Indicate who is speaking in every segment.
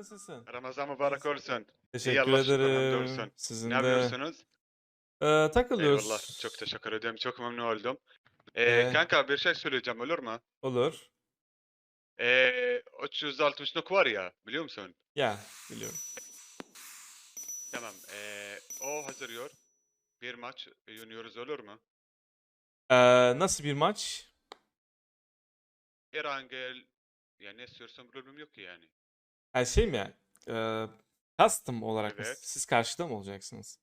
Speaker 1: Nasılsın?
Speaker 2: Ramazan mübarek
Speaker 1: İyisin.
Speaker 2: olsun. İyi
Speaker 1: Teşekkür
Speaker 2: Allah şükür
Speaker 1: ederim.
Speaker 2: hamdolsun. Ne
Speaker 1: Sizin de.
Speaker 2: yapıyorsunuz?
Speaker 1: Takılıyoruz.
Speaker 2: Eyvallah. Çok teşekkür ederim. Çok memnun oldum.
Speaker 1: Ee,
Speaker 2: Kanka bir şey söyleyeceğim olur mu?
Speaker 1: olur.
Speaker 2: 360'lık var ya biliyor musun?
Speaker 1: Ya biliyorum.
Speaker 2: Tamam. O hazırlıyor. Bir maç oynuyoruz olur mu?
Speaker 1: Nasıl bir maç?
Speaker 2: Erangel yani ne istiyorsan problem yok ki yani.
Speaker 1: Her şey mi? Custom olarak mı?
Speaker 2: Evet.
Speaker 1: Siz karşıda mı olacaksınız?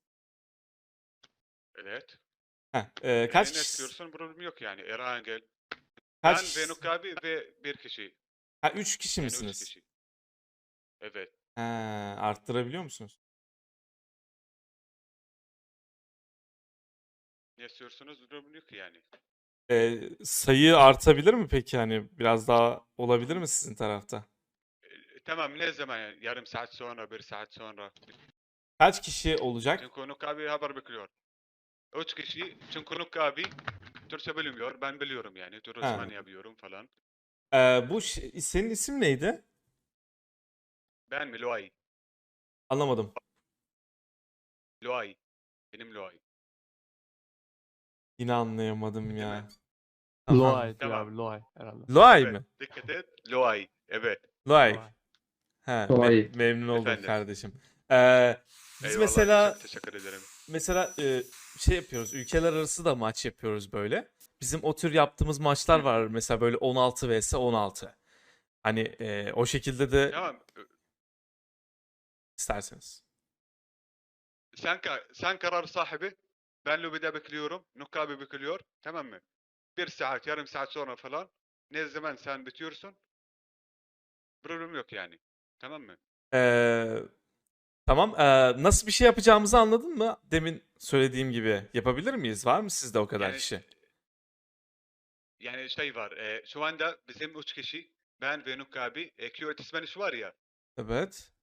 Speaker 2: Evet.
Speaker 1: Heh, kaç
Speaker 2: Ne
Speaker 1: kişi?
Speaker 2: istiyorsan problem yok yani. Erangel.
Speaker 1: Kaç
Speaker 2: Ben
Speaker 1: kişi?
Speaker 2: Venuk abi ve bir kişi.
Speaker 1: Ha, 3 kişi
Speaker 2: Yani üç
Speaker 1: misiniz?
Speaker 2: kişi. Evet.
Speaker 1: Ha, arttırabiliyor musunuz?
Speaker 2: Ne istiyorsunuz problem yok ki yani.
Speaker 1: Sayı artabilir mi peki? Hani biraz daha olabilir mi sizin tarafta?
Speaker 2: Tamam ne zaman yani? Yarım saat sonra, bir saat sonra.
Speaker 1: Kaç kişi olacak?
Speaker 2: Çünkü Nuk abi haber bekliyor. Üç kişi çünkü Nuk abi Türkçe bilmiyor. Ben biliyorum yani. Tercüman
Speaker 1: Ha.
Speaker 2: yapıyorum falan.
Speaker 1: Senin isim neydi?
Speaker 2: Ben mi? Luay.
Speaker 1: Anlamadım.
Speaker 2: Luay. Benim Luay.
Speaker 1: Yine anlayamadım
Speaker 2: Değil mi?
Speaker 1: ya. Tamam.
Speaker 3: Loay diyor
Speaker 2: Tamam.
Speaker 3: abi. Loay herhalde.
Speaker 1: Loay
Speaker 2: Evet.
Speaker 1: mı?
Speaker 2: Dikkat et. Luay. Evet.
Speaker 1: Loay.
Speaker 3: Loay.
Speaker 1: He,
Speaker 4: Kolay.
Speaker 1: memnun oldum
Speaker 2: Efendim.
Speaker 1: kardeşim. Biz
Speaker 2: Eyvallah.
Speaker 1: mesela
Speaker 2: Çok teşekkür ederim.
Speaker 1: mesela şey yapıyoruz. Ülkeler arası da maç yapıyoruz böyle. Bizim o tür yaptığımız maçlar
Speaker 2: Hı.
Speaker 1: var. Mesela böyle 16 vs 16. Hani o şekilde de
Speaker 2: Tamam.
Speaker 1: isterseniz.
Speaker 2: Sen karar sahibi. Ben lobide bekliyorum. Nuk abi bekliyor. Tamam mı? Bir saat, yarım saat sonra falan. Ne zaman sen bitiyorsun? Problem yok yani. Tamam mı?
Speaker 1: Ee, tamam. Nasıl bir şey yapacağımızı anladın mı? Demin söylediğim gibi yapabilir miyiz? Var mı sizde o kadar
Speaker 2: Yani
Speaker 1: kişi?
Speaker 2: yani şey var. Şu anda bizim üç kişi. Ben ve Nuk abi. Q ismeniş var ya.
Speaker 1: Evet.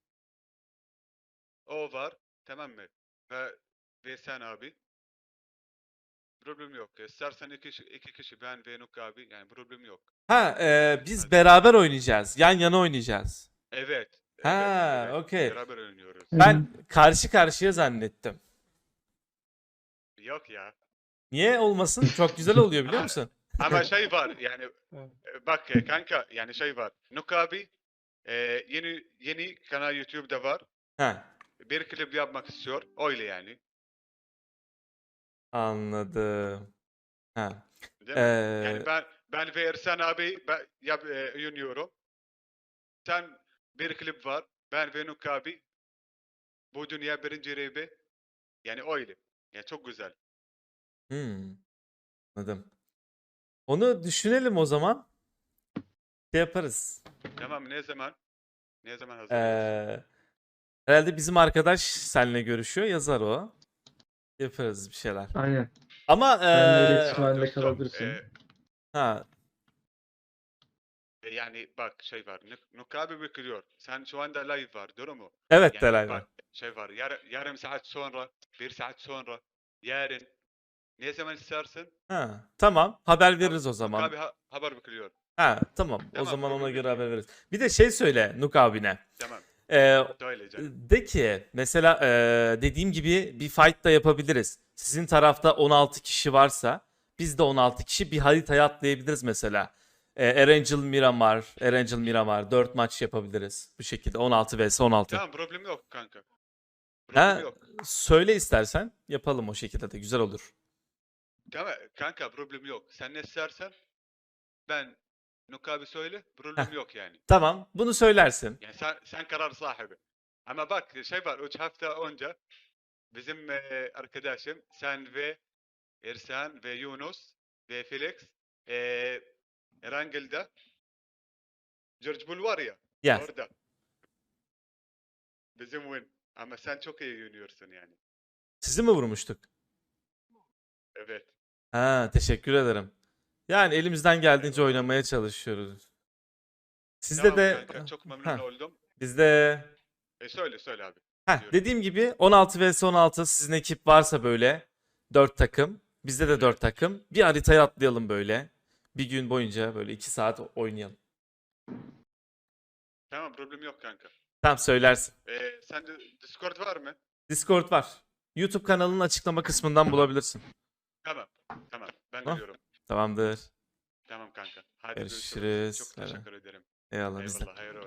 Speaker 2: O var. Tamam mı? Ve sen abi. Problem yok. İstersen iki kişi ben ve Nuk abi. Yani problem yok.
Speaker 1: Ha, biz
Speaker 2: Hadi.
Speaker 1: beraber oynayacağız. Yan yana oynayacağız.
Speaker 2: Evet. Evet.
Speaker 1: Ha,
Speaker 2: Evet.
Speaker 1: okey.
Speaker 2: Beraber oynuyoruz.
Speaker 1: Ben karşı karşıya zannettim.
Speaker 2: Yok ya.
Speaker 1: Niye olmasın? Çok güzel oluyor biliyor
Speaker 2: Ama
Speaker 1: musun?
Speaker 2: ama şey var yani
Speaker 3: Evet.
Speaker 2: bak kanka yani şey var. Nuk abi yeni kanal YouTube'da var.
Speaker 1: Ha,
Speaker 2: Bir klip yapmak istiyor. Öyle yani.
Speaker 1: anladım. Ha.
Speaker 2: Değil mi? Yani
Speaker 1: Ee,
Speaker 2: ben ve Ersan abi oynuyorum. Sen bir klip var. Ben ve Nuk abi. Bu dünya birinci rapi. Yani öyle. Yani çok güzel.
Speaker 1: hmm, anladım. Onu düşünelim o zaman. Şey yaparız.
Speaker 2: Tamam ne zaman? Ne zaman hazırlıyorsun?
Speaker 1: Ee, herhalde bizim arkadaş seninle görüşüyor. Yazar o. Yaparız bir şeyler.
Speaker 4: Aynen.
Speaker 1: Ama
Speaker 4: Benimle iletişim
Speaker 2: Tamam
Speaker 4: halinde
Speaker 2: dostum.
Speaker 4: kalabilirsin.
Speaker 1: ha,
Speaker 2: Yani bak şey var. Nuk abi bekliyor. Sen şu anda live var. Doğru mu?
Speaker 1: evet
Speaker 2: Yani
Speaker 1: Delay var.
Speaker 2: bak şey var. Yarım saat sonra. Bir saat sonra. Yarın. Ne zaman istersin?
Speaker 1: Ha, tamam. Haber veririz o
Speaker 2: Nuk
Speaker 1: zaman.
Speaker 2: abi haber bekliyor.
Speaker 1: Ha, tamam. O
Speaker 2: Tamam
Speaker 1: zaman ona
Speaker 2: problem
Speaker 1: göre
Speaker 2: yok
Speaker 1: haber
Speaker 2: yani.
Speaker 1: veririz. Bir de şey söyle Nuk abine.
Speaker 2: Tamam.
Speaker 1: Ee,
Speaker 2: Söyle canım.
Speaker 1: de ki mesela dediğim gibi bir fight da yapabiliriz. Sizin tarafta 16 kişi varsa biz de 16 kişi bir haritaya atlayabiliriz mesela. Erangel Miramar 4 maç yapabiliriz. Bu şekilde 16 vs 16.
Speaker 2: Tamam problem yok kanka. Problem
Speaker 1: Ha,
Speaker 2: yok.
Speaker 1: söyle istersen yapalım o şekilde de güzel olur.
Speaker 2: Tamam kanka problem yok. Sen ne istersen ben Nuk abi söyle.
Speaker 1: Heh,
Speaker 2: Problem yok yani.
Speaker 1: tamam bunu söylersin.
Speaker 2: Yani sen karar sahibi. Ama bak şey var. 3 hafta önce bizim arkadaşım sen ve Ersan ve Yunus ve Felix Erangel'de George Bull var ya
Speaker 1: Gel.
Speaker 2: orada bizim win. Ama sen çok iyi oynuyorsun yani.
Speaker 1: Sizi mi vurmuştuk?
Speaker 2: Evet.
Speaker 1: Ha, teşekkür ederim. Yani elimizden geldiğince
Speaker 2: Eyvallah.
Speaker 1: oynamaya çalışıyoruz. Sizde
Speaker 2: Tamam
Speaker 1: de
Speaker 2: kanka çok memnun
Speaker 1: ha,
Speaker 2: oldum.
Speaker 1: bizde
Speaker 2: Söyle abi. Diyorum.
Speaker 1: dediğim gibi 16 vs 16 sizin ekip varsa böyle 4 takım, bizde de 4
Speaker 2: Evet.
Speaker 1: takım. Bir haritaya atlayalım böyle. Bir gün boyunca böyle 2 saat oynayalım.
Speaker 2: Tamam problem yok kanka.
Speaker 1: Tamam, söylersin.
Speaker 2: Sende Discord var mı?
Speaker 1: Discord var. YouTube kanalının açıklama kısmından bulabilirsin.
Speaker 2: Tamam. Tamam. Ben
Speaker 1: Tamam.
Speaker 2: geliyorum.
Speaker 1: Tamamdır.
Speaker 2: Tamam kanka. Hadi
Speaker 1: Görüşürüz.
Speaker 2: Çok
Speaker 1: Bay bay.
Speaker 2: teşekkür ederim.
Speaker 1: Eyvallah, biz de.
Speaker 2: Eyvallah. Hayır